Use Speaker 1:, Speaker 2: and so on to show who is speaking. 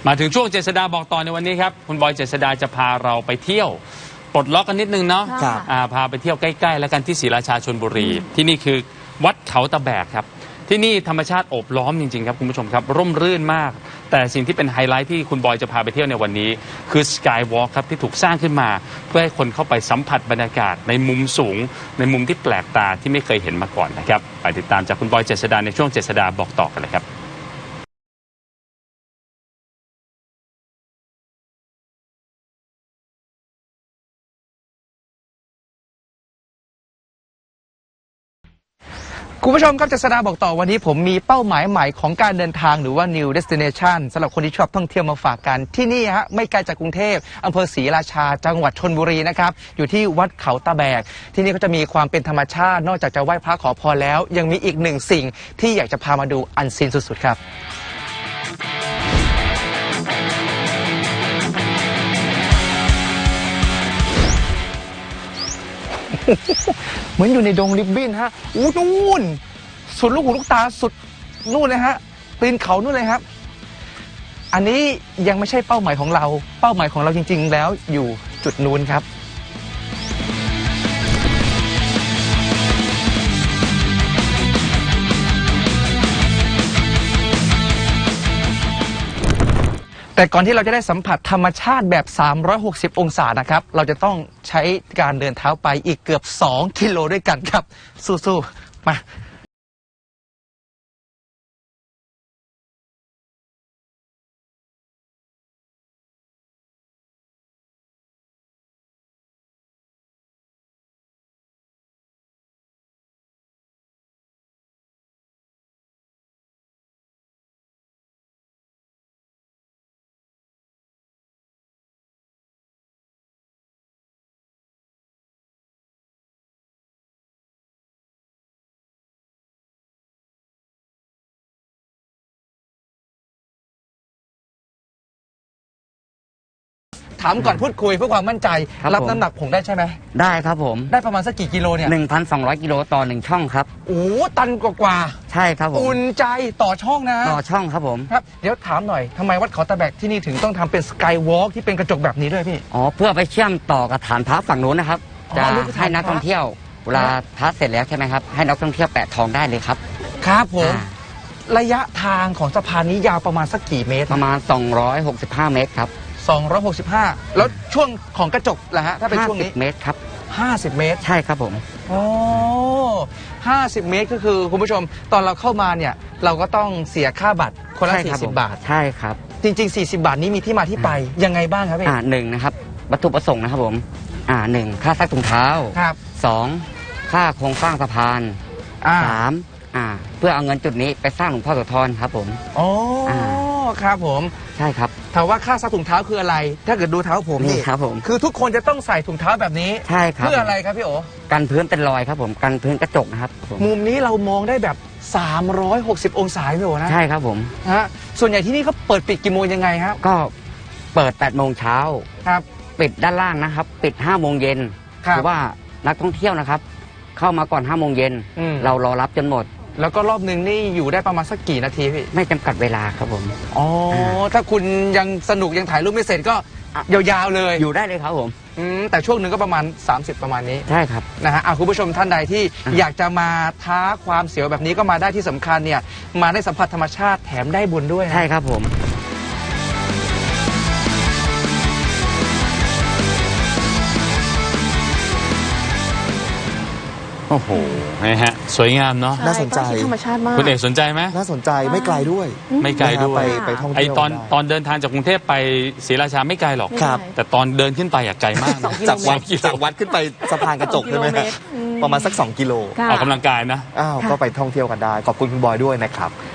Speaker 1: มาถึงช่วงเจษฎาบอกต่อในวันนี้ครับคุณบอยเจษฎาจะพาเราไปเที่ยวปลดล็อกกันนิดนึงเนาะพาไปเที่ยวใกล้ๆแล้วกันที่ศรีราชาชลบุรีที่นี่คือวัดเขาตะแบกครับที่นี่ธรรมชาติโอบล้อมจริงๆครับคุณผู้ชมครับร่มรื่นมากแต่สิ่งที่เป็นไฮไลท์ที่คุณบอยจะพาไปเที่ยวในวันนี้คือสกายวอล์กครับที่ถูกสร้างขึ้นมาเพื่อให้คนเข้าไปสัมผัสบรรยากาศในมุมสูงในมุมที่แปลกตาที่ไม่เคยเห็นมาก่อนนะครับไปติดตามจากคุณบอยเจษฎาในช่วงเจษฎาบอกต่อกันเลยครับ
Speaker 2: คุณผู้ชมครับเจษฎาบอกต่อวันนี้ผมมีเป้าหมายใหม่ของการเดินทางหรือว่า New Destination สำหรับคนที่ชอบท่องเที่ยวมาฝากกันที่นี่ฮะไม่ไกลจากกรุงเทพอำเภอศรีราชาจังหวัดชลบุรีนะครับอยู่ที่วัดเขาตะแบกที่นี่ก็จะมีความเป็นธรรมชาตินอกจากจะไหว้พระขอพรแล้วยังมีอีกหนึ่งสิ่งที่อยากจะพามาดูอันซีนสุดๆครับเหมือนอยู่ในดงริบบิ้นฮะอู้นู่นสุดลูกหูลูกตาสุดนู่นเลยฮะตีนเขานู่นเลยครับอันนี้ยังไม่ใช่เป้าหมายของเราเป้าหมายของเราจริงๆแล้วอยู่จุดนู้นครับแต่ก่อนที่เราจะได้สัมผัสธรรมชาติแบบ360องศานะครับเราจะต้องใช้การเดินเท้าไปอีกเกือบ2กิโลด้วยกันครับสู้ๆมาถามก่อนพูดคุยเพื่อความมั่นใจรับน้ำหนักผมได้ใช่ไหม
Speaker 3: ได้ครับผม
Speaker 2: ได้ประมาณสักกี่กิโลเนี่ย
Speaker 3: 1,200 กิโลต่อ1ช่องครับ
Speaker 2: โอ้ตันกว่า
Speaker 3: ใช่ครับผม
Speaker 2: อุ่นใจต่อช่องนะ
Speaker 3: ต่อช่องครับผม
Speaker 2: ครับเดี๋ยวถามหน่อยทำไมวัดเขาตะแบกที่นี่ถึงต้องทำเป็นสกายวอล์กที่เป็นกระจกแบบนี้ด้วยพี่
Speaker 3: อ๋อเพื่อไปเชื่อมต่อกับฐานพระฝั่งนู้นนะครับจะให้นักท่องเที่ยวเวลาพระเสร็จแล้วใช่ไหมครับให้นักท่องเที่ยวแปะทองได้เลยครับ
Speaker 2: ครับผมระยะทางของสะพานนี้ยาวประมาณสักกี่เมตร
Speaker 3: ประมาณ265 เมตรครับ
Speaker 2: 265แล้วช่วงของกระจกล่ะฮะถ้าเป็นช่วงนี้
Speaker 3: 50 เมตรครับ
Speaker 2: 50 เมตร
Speaker 3: ใช่ครับผม
Speaker 2: อ๋อ50 เมตรก็คือคุณผู้ชมตอนเราเข้ามาเนี่ยเราก็ต้องเสียค่าบัตรคนละ40 บาท
Speaker 3: ใช่ครับ
Speaker 2: จริงๆ40 บาทนี้มีที่มาที่ไปยังไงบ้างครับพี่
Speaker 3: หนึ่งนะครับวัตถุประสงค์นะครับผมหนึ่งค่าซักถุงเท้า
Speaker 2: ครับ
Speaker 3: 2ค่าโครงสร้างสะพาน3เพื่อเอาเงินจุดนี้ไปสร้างหลวงพ่อโสธรครับผม
Speaker 2: อ๋อครับผม
Speaker 3: ใช่ครับ
Speaker 2: ถามว่าค่าซักถุงเท้าคืออะไรถ้าเกิดดูเท้าผม
Speaker 3: นี่ครับผม
Speaker 2: คือทุกคนจะต้องใส่ถุงเท้าแบบนี้
Speaker 3: ใช่ครับ
Speaker 2: เพื่ออะไรครับพี่โอ
Speaker 3: กันพื้นเป็นรอยครับผมกันพื้นกระจกนะครับ
Speaker 2: มุมนี้เรามองได้แบบ360องศาพี่โอนะ
Speaker 3: ใช่ครับผม
Speaker 2: ฮะส่วนใหญ่ที่นี่เขาเปิดปิดกี่โมงยังไงครับ
Speaker 3: ก็เปิด8 โมงเช้า
Speaker 2: ครับ
Speaker 3: ปิดด้านล่างนะครับปิด5 โมงเย็นหรือว่านักท่องเที่ยวนะครับเข้ามาก่อน5 โมงเย็นเรารอรับจนหมด
Speaker 2: แล้วก็รอบหนึ่งนี่อยู่ได้ประมาณสักกี่นาทีพี่
Speaker 3: ไม่จำกัดเวลาครับผม
Speaker 2: อ๋อถ้าคุณยังสนุกยังถ่ายรูปไม่เสร็จก็ยาวๆเลย
Speaker 3: อยู่ได้เลยครับผม
Speaker 2: แต่ช่วงหนึ่งก็ประมาณ30ประมาณนี้
Speaker 3: ใช่ครับ
Speaker 2: นะฮะคุณผู้ชมท่านใดที่อยากจะมาท้าความเสียวแบบนี้ก็มาได้ที่สำคัญเนี่ยมาได้สัมผัสธรรมชาติแถมได้บุญด้วย
Speaker 3: ใช่ครับผม
Speaker 1: โอ้โหนะฮะสวยงามเนาะ
Speaker 4: น่าสนใจ
Speaker 5: ธรรมชาติมาก
Speaker 1: คุณเอกสนใจไหม
Speaker 4: น่าสนใจไม่ไกลด้วย
Speaker 1: ไม่ไกลด้วย
Speaker 4: ไปท่องเที่ยว
Speaker 1: ตอนเดินทางจากกรุงเทพไปศรีราชาไม่ไกลหรอก
Speaker 4: ครับ
Speaker 1: แต่ตอนเดินขึ้นไปไกลมาก
Speaker 4: จากวัดขึ้นไปสะพานกระจกใช่ไหมประมาณสัก2 กิโล
Speaker 1: ออกกำลังกายนะ
Speaker 4: ก็ไปท่องเที่ยวกันได้ขอบคุณคุณบอยด้วยนะครับ